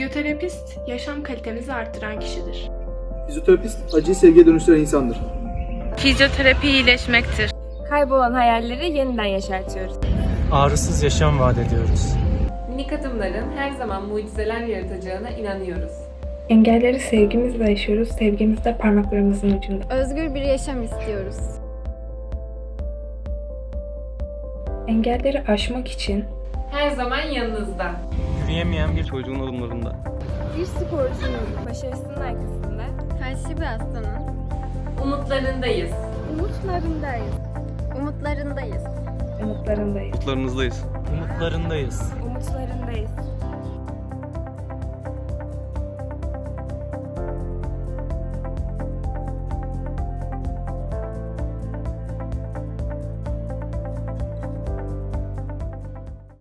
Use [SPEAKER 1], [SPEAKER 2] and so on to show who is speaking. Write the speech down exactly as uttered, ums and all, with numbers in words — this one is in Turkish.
[SPEAKER 1] Fizyoterapist, yaşam kalitemizi arttıran kişidir.
[SPEAKER 2] Fizyoterapist, acıyı sevgiye dönüştüren insandır.
[SPEAKER 1] Fizyoterapi iyileşmektir.
[SPEAKER 3] Kaybolan hayalleri yeniden yaşartıyoruz.
[SPEAKER 4] Ağrısız yaşam vaat ediyoruz.
[SPEAKER 5] Minik adımların her zaman mucizeler yaratacağına inanıyoruz.
[SPEAKER 6] Engelleri sevgimizle aşıyoruz, sevgimiz de parmaklarımızın ucunda.
[SPEAKER 7] Özgür bir yaşam istiyoruz.
[SPEAKER 6] Engelleri aşmak için
[SPEAKER 5] Her zaman yanınızda.
[SPEAKER 4] Yürüyemeyen bir çocuğun adımlarında.
[SPEAKER 3] Bir sporcunun başarısının arkasında
[SPEAKER 7] Felçli bir hastanın
[SPEAKER 5] Umutlarındayız.
[SPEAKER 3] umutlarındayız.
[SPEAKER 7] umutlarındayız.
[SPEAKER 6] umutlarındayız.
[SPEAKER 4] Umutlarınızdayız. Umutlarındayız.
[SPEAKER 3] Umutlarındayız.